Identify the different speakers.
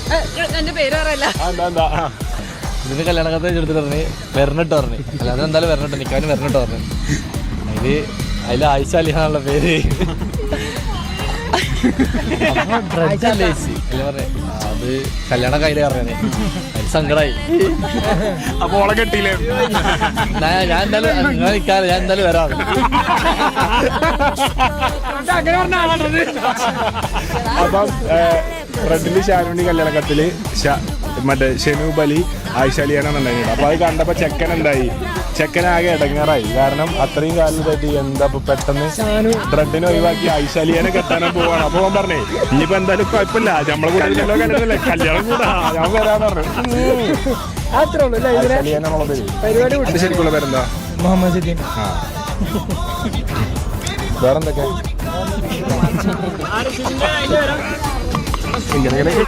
Speaker 1: എന്റെ പേര് പറയല്ല.
Speaker 2: ഇതിന് കല്യാണ കത്ത് എടുത്തിട്ട് പറഞ്ഞ് വരണിട്ട് പറഞ്ഞു. അല്ലാതെ എന്തായാലും വരണിട്ട് നിൽക്കാനും വരണിട്ട് പറഞ്ഞു. അതിൽ ആയിഷ അലിയാണുള്ള പേര്. അത് കല്യാണം കയ്യില് പറഞ്ഞേ. അതിൽ സങ്കടായി.
Speaker 3: അപ്പൊ ഓളെ കെട്ടിയില്ലേ?
Speaker 2: ഞാൻ എന്തായാലും നിങ്ങൾ നിൽക്കാതെ ഞാൻ എന്തായാലും വരാം.
Speaker 3: അപ്പം റെഡില് ഷാനുണ്ണി കല്യാണ കത്തില് മറ്റേ ഷെനൂബ് അലി ആയിഷ അലിയാനാണ് ഉണ്ടായിരുന്നത്. അപ്പൊ അത് കണ്ടപ്പോ ചെക്കൻ എന്തായി, ചെക്കനാകെ ഇടങ്ങാറായി. കാരണം അത്രയും കാലത്തായിട്ട് എന്താ പെട്ടെന്ന് റെഡിനെ ഒഴിവാക്കി ആയിഷ അലിയാനെ കെട്ടാനും പോവാണ്. അപ്പൊ അവൻ പറഞ്ഞേ ഇനിയിപ്പോ എന്തായാലും കുഴപ്പമില്ല, നമ്മളെ കൂടെ കല്യാണല്ലേ, കല്യാണം കൂടാ, ഞാൻ വരാന്ന് പറഞ്ഞു. ശരിക്കുള്ള പേരെന്താ?
Speaker 4: മുഹമ്മദ് സിദ്ദീൻ.
Speaker 3: വേറെന്തൊക്കെ?